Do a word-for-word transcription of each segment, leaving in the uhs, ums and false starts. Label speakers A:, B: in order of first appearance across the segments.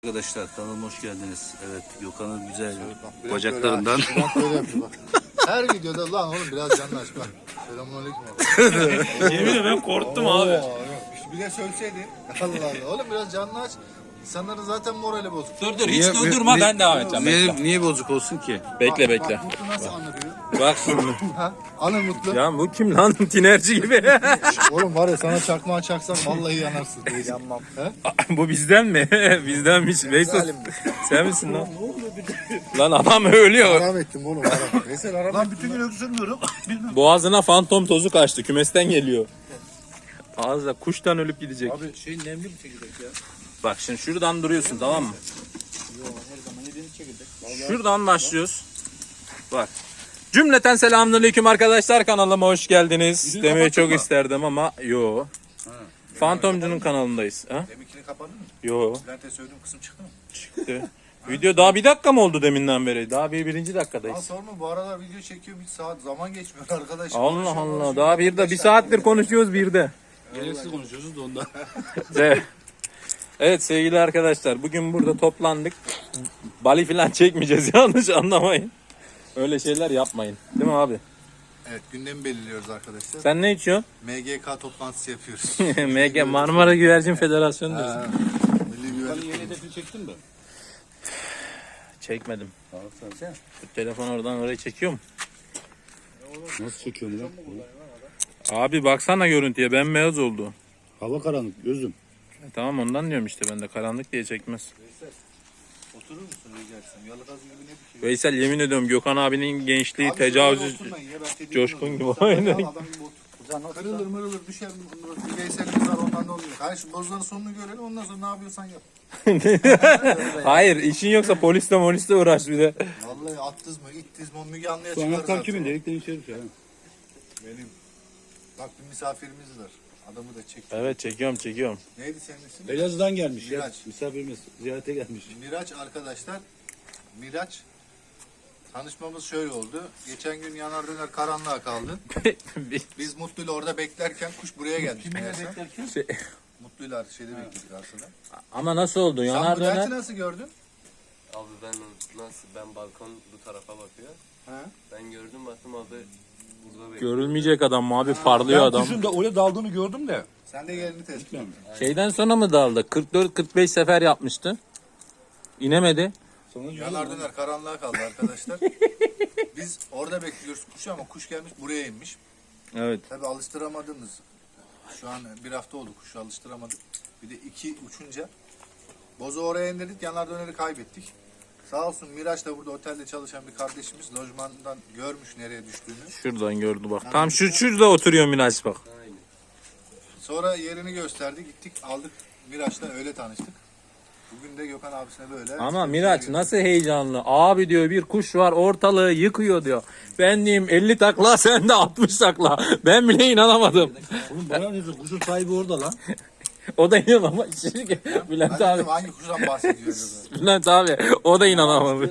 A: Arkadaşlar kanalıma hoş geldiniz. Evet, Gökhan'ın güzel
B: Biraz
A: bacaklarından.
B: Böyle, biraz böyle yapıyor bak. Her videoda lan oğlum biraz canlı aç bak. Selamünaleyküm abi.
C: Yemin ederim ben korktum
B: Oo,
C: abi.
B: yok. Bir de söyleseydi. Allah Allah. Oğlum biraz canlı aç. İnsanların zaten morali bozuk.
C: Dur dur hiç
A: Niye-
C: durdurma
A: ni-
C: ben devam edeceğim.
A: Niye,
C: Bekle.
A: niye bozuk olsun ki?
C: Bekle
B: Bak,
C: bekle.
B: Bak Mutlu nasıl anlatıyor?
C: Bak şimdi.
B: Ha? Anır Mutlu.
C: Ya bu kim lan? Tinerci gibi.
B: Oğlum var ya sana çakmağı çaksam vallahi yanarsın. Yanmam. He?
C: Bu bizden mi? Bizdenmiş. Veysel
B: Zalim.
C: sen misin lan? Lan adam ölüyor.
B: Haram ettim oğlum haram. Veysel haram Lan bütün gün öksürmüyorum.
C: Boğazına fantom tozu kaçtı. Kümesten geliyor. Ağızda kuştan ölüp gidecek.
A: Abi şey nemli bir çekirdek ya.
C: Bak şimdi şuradan duruyorsun tamam mı? Şuradan başlıyoruz. Bak. Cümleten selamünaleyküm arkadaşlar, kanalıma hoş geldiniz. Demeyi çok
A: mı?
C: isterdim ama yo. Fantomcu'nun kanalındayız. Ha?
B: Deminkini kapadın mı?
C: Yo.
B: Bülent'e söylediğim kısım çıktı mı?
C: Çıktı. Video daha bir dakika mı oldu deminden beri? Daha bir birinci
B: Lan
C: dakikadayız.
B: sorma bu aralar video çekiyor bir saat zaman geçmiyor arkadaş.
C: Allah
B: Konuşuyor,
C: Allah.
B: konuşuyor.
C: Daha bir de bir saattir konuşuyoruz bir de.
A: Gereksiz konuşuyoruz da ondan.
C: Evet. Evet sevgili arkadaşlar, bugün burada toplandık. Bali falan çekmeyeceğiz, yanlış anlamayın. Öyle şeyler yapmayın. Değil mi abi?
B: Evet gündemi belirliyoruz arkadaşlar.
C: Sen ne içiyorsun?
B: M G K toplantısı yapıyoruz.
C: M G Marmara Güvercin Federasyonu diyorsun.
B: Ha, Milli Güvenlik.
A: Yeni hedefini çektin mi?
C: Çekmedim.
A: Tamam sen.
C: Şu telefon oradan oraya çekiyor mu?
A: Nasıl çekiyorsun lan?
C: Abi baksana görüntüye, bembeyaz oldu.
A: Hava karanlık gözüm.
C: E, tamam ondan diyorum işte, ben de karanlık diye çekmez.
B: Oturur musun rica etsem? Yalıgaz gibi ne bir şey.
C: Veysel yemin ediyorum Gökhan abinin gençliği
B: Abi
C: tecavüz
B: şöyle oturmayın ya, ben tediğim
C: coşkun
B: olurum.
C: gibi.
B: Sen
C: Aynen.
B: al, adam gibi otur. Kırılır mırılır düşer bir Veysel'imiz var ondan da oluyor. Hayır şu bozuların sonunu görelim ondan sonra ne yapıyorsan yap.
C: Hayır, işin yoksa polisle molisle uğraş bir de.
B: Vallahi attız mı ittiz mi o Müge Anlı'ya
A: Bu
B: çıkar
A: anahtar
B: zaten.
A: kimin? Delikten içeri düşer.
B: Benim. Bak bir misafirimiz var. Adamı da çek.
C: Evet çekiyorum çekiyorum.
B: Neydi senin ismin?
A: Elazığ'dan gelmiş ya.
B: Miraç.
A: Misafirimiz ziyarete gelmiş.
B: Miraç arkadaşlar. Miraç. Tanışmamız şöyle oldu. Geçen gün yanar döner karanlığa kaldı. Biz Mutlu'yla orada beklerken kuş buraya geldi.
A: Kiminle
B: meğerse.
A: beklerken?
C: Şey-
B: Mutlu'yla şeyde bekledik aslında.
C: Ama nasıl oldu?
B: Sen
C: Yanar
B: bu
C: döner.
B: dersi nasıl gördün?
D: Abi ben nasıl ben balkon bu tarafa bakıyor.
B: Ha?
D: Ben gördüm baktım abi burada bekliyor.
C: Görülmeyecek adam mı abi, parlıyor
A: Ben
C: adam.
A: kuşun da oraya daldığını gördüm de.
B: Sen de yerini tespit et.
C: Şeyden sonra mı daldı? kırk dört kırk beş sefer yapmıştı. İnemedi.
A: Sonra
B: Yanar döner karanlığa kaldı arkadaşlar. Biz orada bekliyoruz kuşu ama kuş gelmiş buraya inmiş.
C: Evet.
B: Tabii alıştıramadınız. Şu an bir hafta oldu kuşu alıştıramadık. Bir de iki uçunca bozu oraya indirdik, yanar döneri kaybettik. Sağ olsun Miraç da burada otelde çalışan bir kardeşimiz lojmandan görmüş nereye düştüğünü.
C: Şuradan gördü bak. Tam şu şurada oturuyor Miraç bak.
B: Sonra yerini gösterdi, gittik aldık Miraç'la öyle tanıştık. Bugün de Gökhan abisine böyle.
C: Ama Miraç nasıl heyecanlı. Abi diyor bir kuş var ortalığı yıkıyor diyor. Ben diyeyim elli takla, sen de altmış takla. Ben bile inanamadım.
A: Oğlum bana ne diyorsun? Kuşun sahibi orada lan.
C: O da inanamadı. Bülent
B: Ben
C: abi.
B: dedim hangi kuştan bahsediyor acaba?
C: Bülent abi o da inanamadı.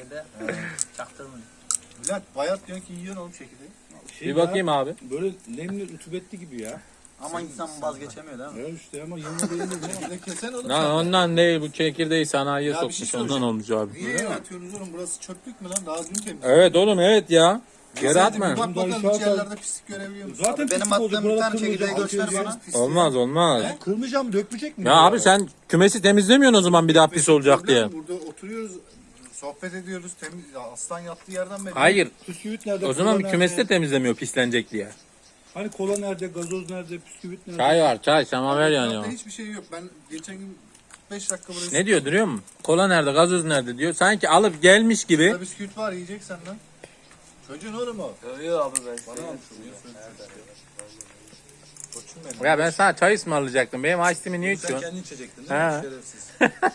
B: Bülent bayat diyorsun ki yiyorsun oğlum çekirdeği.
A: Şey
C: Bir bakayım abi.
A: Böyle nemli rutubetli gibi ya.
E: Ama insan vazgeçemiyor değil mi?
A: Ya işte ama yanına değil de.
B: Bir de kesen oğlum.
C: Lan
B: sen.
C: ondan değil, bu çekirdeği sanayiye
B: Ya bir şey
C: sokmuş, ondan olmuş abi.
B: Niye atıyorsunuz oğlum? Burası çöplük mü lan? Daha dün temiz.
C: Evet oğlum, evet ya. Geri
B: Sen de
C: atma.
B: bir bak bakalım
A: Bundan
B: hiç
A: aşağı-
B: yerlerde pislik görebiliyor musun?
A: Zaten
E: Benim
A: pislik olacak,
E: attığım bir
A: buralar
E: tane çekirdeği
A: kırılacak,
E: göster
A: atıyor,
E: bana.
B: Pislik.
C: Olmaz olmaz.
A: Kırmayacağım, dökmeyecek mi?
C: Ya abi sen kümesi temizlemiyorsun o zaman bir daha pis olacak diye.
B: Burada oturuyoruz, sohbet ediyoruz. Temiz, aslan yattığı yerden beri.
C: Hayır.
A: Püsküvit nerede?
C: O zaman
A: kola
C: bir
A: nerede?
C: kümesi de temizlemiyor pislenecek diye.
A: Hani kola nerede, gazoz nerede, püsküvit nerede?
C: Çay var, çay, semaver yanıyor.
B: Zaten hiçbir şey yok. Ben geçen gün kırk beş dakika buraya...
C: Ne diyor duruyor mu? Kola nerede, gazoz nerede diyor. Sanki alıp gelmiş gibi.
B: Burada bisküvit var yiyeceksen lan. Çocuğun oğlum o.
D: Yok abi ben
B: Bana mı Koçum benim.
C: Ya ben sana çay ısmarlayacaktım. Benim açtığımı niye
B: Sen
C: içiyorsun?
B: kendin içecektin değil
C: Ha.
B: mi? Şerefsiz.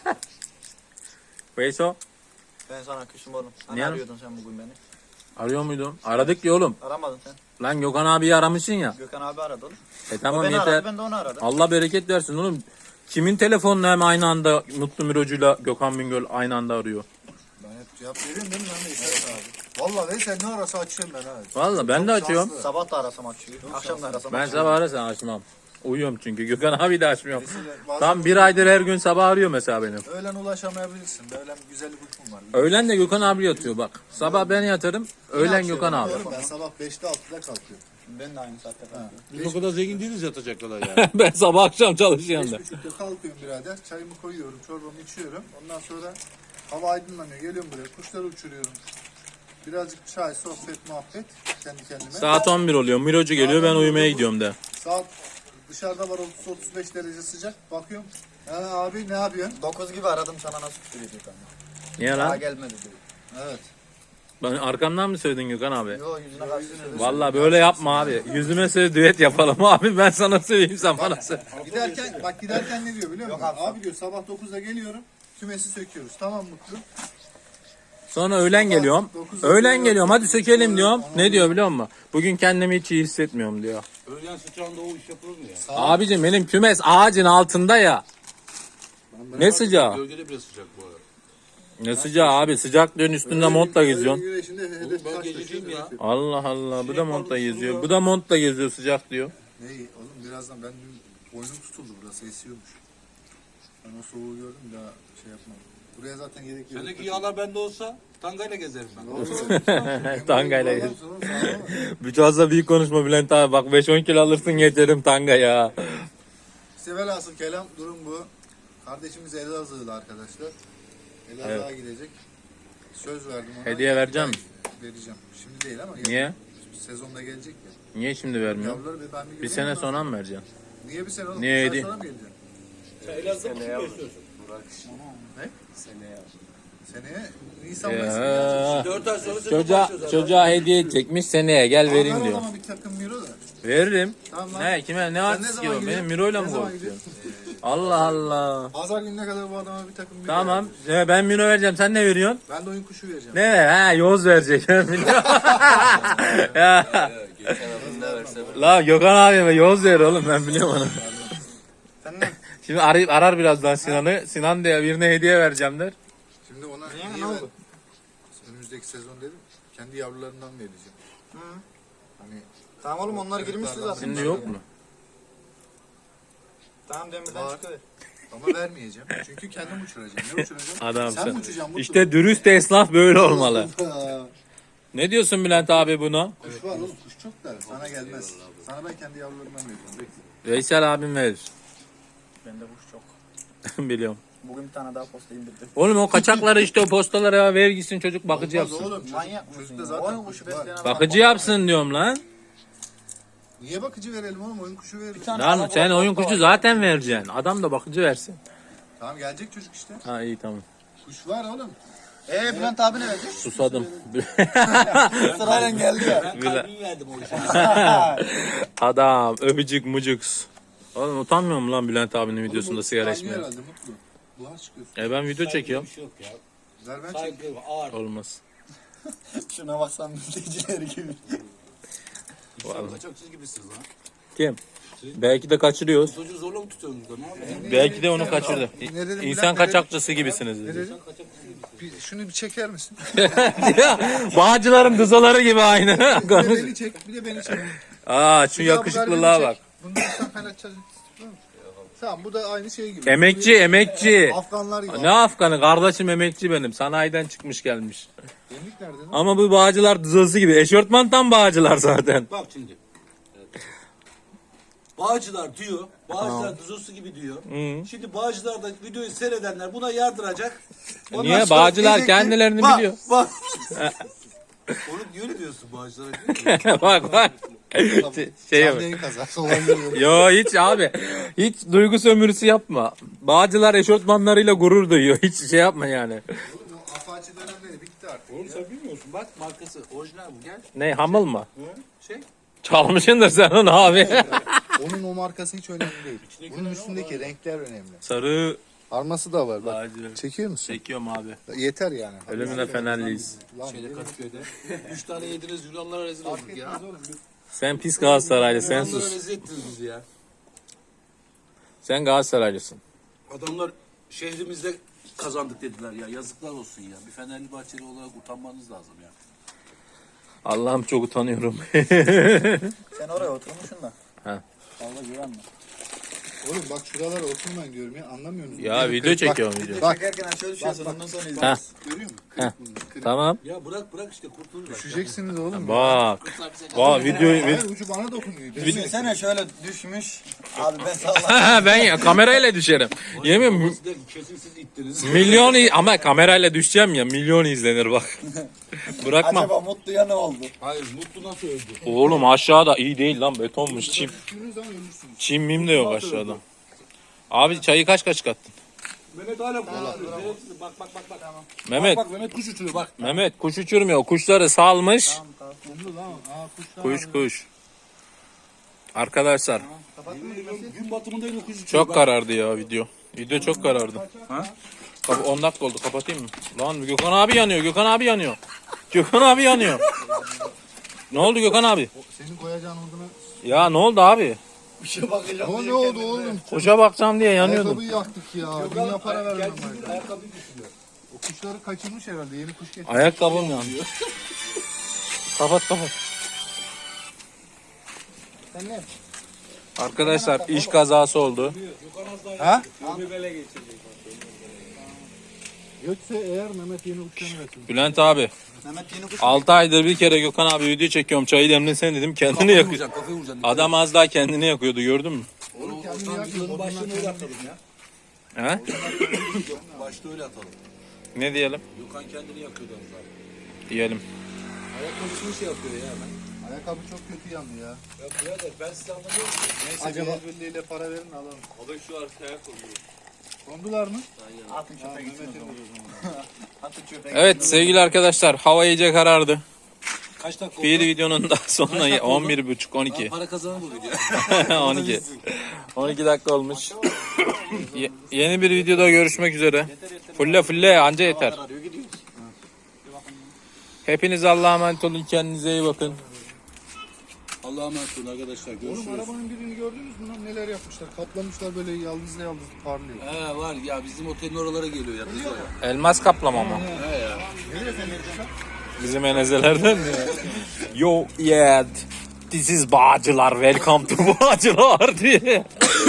C: Veyso,
E: Ben sana küsüm oğlum. Hani
C: Niye?
E: arıyordun sen bugün beni.
C: arıyor muydun? Aradık ya oğlum.
E: Aramadın sen.
C: Lan Gökhan abiyi aramışsın ya.
E: Gökhan abi aradı oğlum.
C: E
E: O
C: tamam
E: beni
C: yeter.
E: aradı, ben de onu aradım.
C: Allah bereket versin oğlum. Kimin telefonunu hem aynı anda Mutlu Mirocu'yla Gökhan Bingöl aynı anda arıyor?
B: Ben hep cevap veriyorum değil mi lan Veysel abi? Valla Veysel ne arası açıyorum ben ha.
C: Vallahi ben de
B: Çok
C: açıyorum.
B: şanslı.
E: Sabah da arasam açıyor. Akşam da arasam
C: Ben
E: açıyor.
C: sabah arasam açmam. Uyuyorum çünkü. Gökhan abi de açmıyorum.
B: Mesela bazen
C: Tam bir aydır her gün sabah arıyor mesela benim.
B: Öğlen ulaşamayabilirsin. Öğlen güzel bir uykum var.
C: Öğlen de Gökhan abi yatıyor bak. Sabah ben yatarım. Öğlen Gökhan abi.
B: Ben sabah beşte altıda kalkıyorum.
E: Ben de aynı saatte kalkıyorum.
A: Biz o kadar zengin değiliz yatacak kadar yani.
C: Ben sabah akşam çalışıyorum da.
B: Beş buçukta kalkıyorum birader. Çayımı koyuyorum, çorbamı içiyorum. Ondan sonra hava aydınlanıyor. Geliyorum buraya. Kuşları uçuruyorum. Birazcık çay, sohbet, muhabbet kendi kendime.
C: Saat on bir oluyor. Mirocu geliyor ben uyumaya gidiyorum de.
B: Saat dışarıda var otuz otuz beş derece sıcak. Bakıyorum. Ha, abi ne yapıyorsun?
E: dokuz gibi aradım sana nasıl küfür ediyor kanka.
C: Niye
E: Daha
C: lan?
E: gelmedi diyor.
B: Evet.
C: Ben arkamdan mı söyledin Gökhan abi?
E: Yo yüzüne karşı söylüyor.
C: Vallahi böyle yapma abi. Yüzüme söyle düet yapalım abi. Ben sana söyleyeyim sen bana söyle.
B: Giderken bak giderken ne diyor biliyor musun? Abi diyor sabah dokuzda geliyorum. Kümesi söküyoruz. Tamam Mutlu.
C: Sonra öğlen geliyorum. Öğlen geliyorum hadi sökelim diyorum. Ne diyor biliyor musun? Bugün kendimi hiç iyi hissetmiyorum diyor.
A: Öğlen sıcağında o iş yapılır mı ya?
C: Abicim benim kümes ağacın altında ya. Ne sıcağı?
A: Gölgede bile sıcak bu arada.
C: Ne sıcağı abi? Sıcaklığın üstünde montla geziyorsun.
B: Güneşinde hedef
A: Ben
B: kaç
A: gececiyim ya.
C: Allah Allah. Bu da montla geziyor. Bu da montla geziyor sıcak diyor.
B: Ne oğlum birazdan ben dün boynum tutuldu burası esiyormuş. Ben o soğuğu gördüm daha şey yapmam. Buraya zaten gerek yok.
A: Sendeki yağlar bende olsa tangayla gezerim ben.
C: Tangayla geziyor. Bir fazla büyük konuşma Bülent abi. Bak beş on kilo alırsın yeterim tanga ya.
B: İşte velhasıl kelam durum bu. Kardeşimiz Elazığ'lı arkadaşlar. Elazığ'a gidecek. Söz verdim ona.
C: Hediye vereceğim mi?
B: Vereceğim. Şimdi değil ama.
C: Niye?
B: yakın Sezonda gelecek ya.
C: Niye şimdi vermiyor?
B: Yavruları ve ben bir
C: Bir
B: göreyim
C: sene
B: ondan
C: sonra mı vereceksin?
B: Niye bir sene oğlum?
C: Niye
B: Bir sene
C: hediye?
B: sonra mı geleceksin?
A: Sen Elazığ'da mı
D: Seneye
A: besliyorsun?
D: Burak
B: Ne?
D: seneye al.
B: Seneye Nisan Mayıs mı gelecek?
C: Ya.
A: dört ay sonra sezon
C: Çocuğa,
A: başlıyor zaten.
C: çocuğa hediye edecekmiş seneye gel
B: Ver
C: vereyim
B: o
C: diyor.
B: zaman bir takım miro da.
C: Veririm.
B: Tamam lan.
C: Ne kime ne
B: Sen
C: artist
B: ne
C: ki
B: zaman
C: o? Benim
B: gidiyorsun?
C: Miro'yla
B: Ne
C: mı
B: zaman
C: konuşuyorsun?
B: gidiyorsun?
C: Allah Allah.
B: Pazar gününe kadar bu adama bir takım miro
C: Tamam.
B: ver.
C: Ya ben Miro vereceğim. Sen ne veriyorsun?
B: Ben de oyun kuşu vereceğim.
C: Ne? Ha yoz verecek. Ben biliyorum. Ya.
D: Geçen abim ne verse ver.
C: La Gökhan abime yoz ver oğlum ben biliyorum onu.
E: Sen ne?
C: Şimdi arayıp arar birazdan Sinan'ı. Sinan diye birine hediye vereceğim der.
B: Şimdi ona
E: Niye?
B: niye
E: Ne
B: ben
E: oldu?
B: önümüzdeki sezon dedim. Kendi yavrularından vereceğim.
E: Hı.
B: Hani
E: Tamam oğlum onlar girmişti zaten.
C: Şimdi yok mu?
E: Tamam demirden
B: Var.
E: çıkıyor.
B: ama vermeyeceğim. Çünkü kendim uçuracağım. Ne uçuracağım?
C: Adam
B: Sen
C: sen.
B: mi uçacaksın? Mutlu?
C: İşte dürüst esnaf böyle olmalı.
B: Ha,
C: Ne diyorsun Bülent abi buna?
B: Kuş var oğlum. Kuş çok da sana gelmez. Sana ben kendi yavrularımdan vereceğim. Bekle.
C: Veysel abim verir.
E: Bende kuş çok.
C: Biliyorum.
E: Bugün bir tane daha posta indirdim.
C: Oğlum o kaçakları işte o postalara ver gitsin çocuk bakıcı
B: Olmaz
C: yapsın.
B: oğlum. Çocuk,
E: Manyak mısın
B: çocukta
E: ya?
B: zaten
E: Oyun
B: kuş
E: kuşu
B: var.
E: besleyen adam
C: Bakıcı
E: bak-
C: yapsın diyorum lan.
B: Niye bakıcı verelim oğlum? Oyun kuşu veririz.
E: tane
C: Lan
E: alabalık
C: sen oyun
E: posta
C: kuşu
E: var.
C: zaten vereceksin. Adam da bakıcı versin.
B: Tamam gelecek çocuk işte.
C: Ha iyi tamam.
B: Kuş var oğlum.
E: Eee Bülent abi ne verecek?
C: Susadım.
E: Sırayla geldi ya.
A: Ben kalbimi verdim o işe.
C: Adam öpücük mucuks. Oğlum utanmıyor mu lan Bülent abinin videosunda
B: Oğlum,
C: sigara
B: kaynıyor
C: içmeye?
B: herhalde Mutlu. Buhar çıkıyor.
C: E ben video çekiyorum.
A: Bir şey yok ya.
B: Ver ben çekeyim.
A: Saygı, ağır.
C: Olmaz.
E: Şuna baksan mülteciler gibi.
C: Vallahi.
A: Kaçakçı gibisiniz lan.
C: Kim? Belki de kaçırıyoruz.
A: Çocuğu zorla mı tutuyorsunuz da ne yapıyorsunuz?
C: Belki de onu kaçırdı.
B: Ne dedim,
C: İnsan
B: Bülent, ne
C: kaçakçısı gibisiniz
B: Ne
C: dedi.
B: dedin? Bir, şunu bir çeker misin?
C: Bağcıların dızaları gibi aynı.
B: Bir de
C: Konuş.
B: beni çek. Bir de beni çek.
C: Aa şu
B: Bir daha bu
C: yakışıklılığa
B: garibini
C: bak.
B: çek. Bunu da sen kaynatacağız. Tamam bu da aynı şey gibi.
C: Emekçi emekçi.
B: Afganlar gibi.
C: Ne Afganı? Kardeşim emekçi benim. Sanayiden çıkmış gelmiş.
B: Gemlik nerede lan?
C: Ama bu bağcılar dızası gibi. Eşortman tam bağcılar zaten.
A: Bak şimdi. Bağcılar diyor. Bağcılar düzosu gibi diyor.
C: Hı.
A: Şimdi Bağcılar'da videoyu seyredenler buna yardıracak. Ondan
C: Niye?
A: sonra
C: Bağcılar
A: diyecek ki,
C: kendilerini
A: bak,
C: biliyor.
A: Bak. Onu niye öyle diyorsun Bağcılar'a? Diyor ki,
C: bak bak. şey
B: Canlı yayın kazası olabilir.
C: Yo hiç abi. Hiç duygu sömürüsü yapma. Bağcılar eşortmanlarıyla gurur duyuyor. Hiç şey yapma yani.
B: Oğlum o Apache dönemleri bitti artık.
A: Oğlum sen bilmiyorsun. Bak markası orijinal bu. Gel.
C: Ne hamıl mı?
A: Şey.
C: Çalmışsındır sen onu abi.
B: Onun o markası hiç önemli değil. Bunun üstündeki renkler önemli.
C: Sarı
B: Arması da var bak.
C: bağcı.
B: Çekiyor musun?
C: Çekiyorum abi.
B: Yeter yani.
C: Ölümüne fenerliyiz.
B: Lan,
A: Şeyde Kadıköy'de. Üç tane yediniz Yunanlara rezil olduk
B: fark
A: ya.
B: etmez oğlum.
C: Sen pis Galatasaraylı sen
A: Yunanlara
C: sus.
A: rezil ettiniz bizi ya.
C: Sen Galatasaraylısın.
A: Adamlar şehrimizde kazandık dediler ya. Yazıklar olsun ya. Bir Fenerli Bahçeli olarak utanmanız lazım ya.
C: Allah'ım çok utanıyorum.
E: Sen oraya oturmuşsun da.
C: Ha.
E: Fazla güvenme.
B: Oğlum bak şuralara oturmayın diyorum ya. Anlamıyor musun?
C: Ya
B: Bak,
C: video
B: bak,
C: çekiyorum video.
B: Bak.
E: Çekerken aşağı düşüyorsun
B: bak.
E: ondan sonra
C: Ha.
E: izlersin.
B: Görüyor musun?
C: Heh.
B: Kırık bunlar, kırık.
C: Tamam.
A: Ya bırak bırak işte kurtulur. bak.
B: Düşeceksiniz oğlum.
C: Bak. Bak video.
B: Hayır ucu bana dokunuyor.
E: Düşünsene şöyle düşmüş. Abi ben sallam.
C: Ben ya kamerayla düşerim. Yemin mi-
A: Babası der ki, kesin siz ittiniz.
C: milyon i- ama kamerayla düşeceğim ya milyon izlenir bak. Bırakma.
E: Acaba Mutlu'ya ne oldu?
A: Hayır Mutlu nasıl öldü?
C: Oğlum aşağıda iyi değil lan betonmuş çim.
B: Düştüğünüz zaman ölürsünüz.
C: Çim mim de yok aşağıda. Abi çayı kaç kaç kattın?
A: Mehmet hala kola. Bak bak bak bak.
C: Mehmet.
A: Bak Mehmet kuş uçuruyor bak.
C: Mehmet kuş uçurmuyor. Kuşları salmış.
B: Kumlu lan. Aa kuşlar.
C: Kuş kuş. Arkadaşlar
A: Gün batımında yine kuş uçuruyor.
C: çok
A: bak.
C: karardı ya video. Video çok karardı.
A: Ha?
C: Kap- on dakika oldu kapatayım mı? Lan Gökhan abi yanıyor. Gökhan abi yanıyor. Gökhan abi yanıyor. Ne oldu Gökhan abi?
B: Senin koyacağın olduğunu.
C: Ya ne oldu abi?
E: Bir şey bakacağım.
B: O ne oldu oğlum?
C: Kuşa bakacağım diye yanıyordum.
B: Ayakkabıyı yaktık ya. Dünya para vermem
A: Kendisi
B: ben.
A: ayakkabıyı düşürüyor.
B: O kuşları kaçırmış herhalde. Yeni kuş getirdi.
C: Ayakkabım yanıyor. Kapat kapat.
E: Sen ne?
C: Arkadaşlar iş kazası oldu.
B: Ha? Gökse eğer Mehmet yeni uçlarını versin.
C: Bülent abi
E: Mehmet yeni kuş.
C: altı aydır bir kere Gökhan abi video çekiyorum. Çayı demlesene dedim kendini
A: Kafayı
C: yakıyor.
A: vuracaksın kafayı vuracaksın.
C: Adam az daha kendini yakıyordu gördün mü?
A: Onu yılın başlığını öyle atalım ya.
C: He?
A: Başta öyle atalım.
C: Ne diyelim?
A: Gökhan kendini yakıyordu az daha.
C: Diyelim.
A: Ayakkabısını şey yapıyor ya hemen.
B: Ayakkabı çok kötü yandı ya.
A: Ya birader ben size anlamıyorum.
B: Neyse Acaba... el birliğiyle para verin alalım.
D: Abi şu arkaya koyuyor.
B: Kondular mı?
E: Atın çöpe gitsin o zaman. Atın çöpe gitsin.
C: Evet sevgili arkadaşlar hava iyice karardı.
A: Kaç dakika
C: Bir
A: oldu?
C: videonun daha sonuna
A: dakika oldu?
C: on bir buçuk on
A: Lan
C: iki.
A: para kazanır bu video.
C: on iki. on iki dakika olmuş. Ye- yeni bir videoda görüşmek üzere. Fulle fulle anca yeter.
E: Arıyor gidiyoruz.
C: Hepiniz Allah'a emanet olun. Kendinize iyi bakın.
A: Allah'a emanet olun arkadaşlar.
B: Oğlum
A: Görüşürüz.
B: arabanın birini gördünüz mü lan? Neler yapmışlar? Kaplamışlar böyle yaldızla yaldız parlıyor.
A: He var ya bizim otelin oralara geliyor ya. Kızlar ya.
C: Elmas kaplama mı?
A: He ya.
C: Bizim enezelerden mi? Yo yeah. This is Bağcılar. Welcome to Bağcılar diye.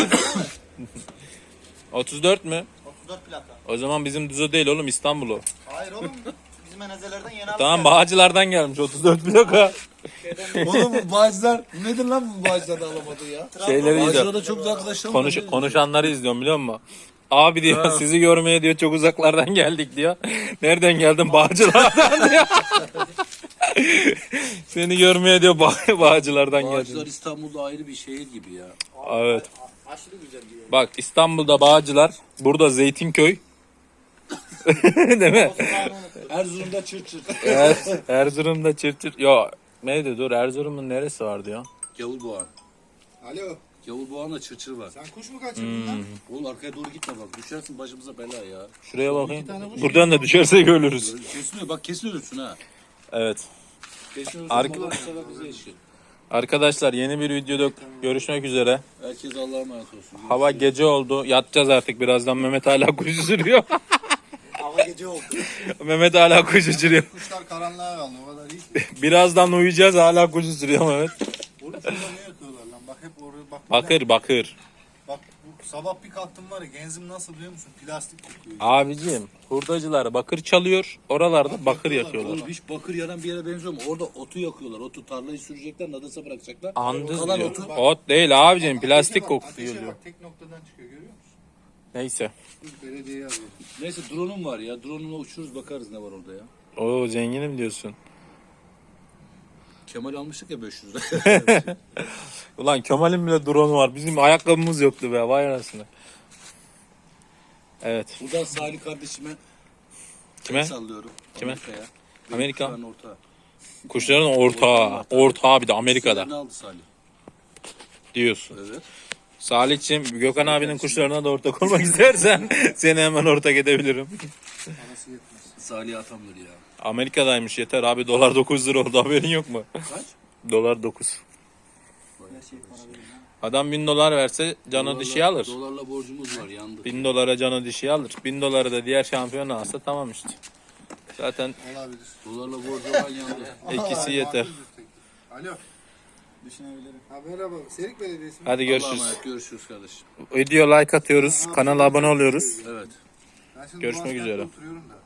C: otuz dört mü?
E: otuz dört plaka.
C: O zaman bizim düzü değil oğlum İstanbul o.
E: Hayır oğlum. Bizim enezelerden yeni aldık.
C: Tamam Bağcılar'dan gelmiş otuz dört plaka.
A: Oğlum bu bağcılar nedir lan bu bağcılar da alamadı ya?
C: Şeyleri
A: Bağcılar'da
C: izliyorum.
A: çok güzel arkadaşlarım
C: Konuş,
A: var.
C: konuşanları izliyorum biliyor musun? Abi diyor sizi görmeye diyor çok uzaklardan geldik diyor. Nereden geldin? Bağcılar'dan diyor. Seni görmeye diyor Bağ- Bağcılar'dan
A: Bağcılar
C: geldim.
A: İstanbul'da ayrı bir şehir gibi ya.
C: Evet.
E: Aşırı güzel diyor.
C: Bak İstanbul'da Bağcılar, burada Zeytinköy. Değil mi?
A: Erzurum'da çır çır.
C: Er, Erzurum'da Çırçır. Ya neydi dur Erzurum'un neresi vardı ya?
A: Gavurboğan.
B: Alo.
A: Gavurboğan'la çır çır var.
B: Sen kuş mu kaçırdın lan?
A: Oğlum arkaya doğru gitme bak. Düşersin başımıza bela ya.
C: Şuraya bakayım. Buradan da düşersek ölürüz.
A: Kesiliyor bak kesin ölürsün ha.
C: Evet.
A: Kesin ölürsün.
C: Arka-
A: Allah bu sefer bize eşit.
C: Arkadaşlar yeni bir videoda görüşmek üzere.
A: Herkes Allah'a emanet olsun.
C: Hava gece oldu. Yatacağız artık birazdan. Mehmet hala kuş uçuruyor.
E: Hava gece oldu.
C: Mehmet hala kuş uçuruyor.
B: Kuşlar karanlığa kaldı o kadar iyi.
C: Birazdan uyuyacağız hala kuş uçuruyor Mehmet.
B: Oğlum şurada ne yapıyorlar lan? Bak hep oraya bak.
C: Bakır bakır.
B: Bak bu sabah bir kalktım var ya genzim nasıl biliyor musun? Plastik kokuyor.
C: Abicim hurdacılar bakır çalıyor. Oralarda bakır yakıyorlar.
A: Oğlum hiç bakır yanan bir yere benziyor mu? Orada otu yakıyorlar. Otu tarlayı sürecekler, nadasa bırakacaklar.
C: Andız
A: Kalan
C: diyor.
A: otu.
C: Ot değil abicim plastik
B: Ateşe bak,
C: kokusu
B: ateşe
C: geliyor.
B: bak, tek noktadan çıkıyor görüyor musun?
C: Neyse.
B: Dur, Belediyeyi arıyor.
A: Neyse drone'um var ya. Drone'umla uçuruz bakarız ne var orada ya.
C: Oo zenginim diyorsun.
A: Kemal almıştık ya beş yüz lira.
C: Ulan Kemal'in bile drone var. Bizim ayakkabımız yoktu be. Vay anasını. Evet.
A: Buradan Salih kardeşime
C: Kime?
A: el sallıyorum.
C: Kime?
A: Amerika'ya.
C: Amerika.
A: Kuşların ortağı.
C: Kuşların ortağı. Ortağı bir de Amerika'da
A: Ne aldı Salih?
C: diyorsun.
A: Evet.
C: Salih'cim Gökhan abinin kuşlarına da ortak olmak istersen seni hemen ortak edebilirim.
B: Parası yetmez.
A: Salih atamdır ya.
C: Amerika'daymış yeter abi dolar dokuz lira oldu haberin yok mu?
A: Kaç?
C: Dolar dokuz. Adam bin dolar verse canı dişi alır.
A: Dolarla borcumuz var yandı.
C: Bin dolara canı dişi alır. Bin doları da diğer şampiyon alsa tamam işte. Zaten
B: Olabilir.
A: Dolarla borcu olan yandı.
C: ikisi yeter.
B: Alo.
E: Düşünebilirim.
B: Ha, merhaba. Serik Belediyesi mi?
C: Hadi
A: Allah'a
C: görüşürüz.
A: emanet, görüşürüz kardeşim.
C: Video like atıyoruz. Kanala abone oluyoruz.
A: Evet.
B: Ben şimdi
C: Görüşmek
B: Boğazkent'te
C: üzere.
B: oturuyorum da.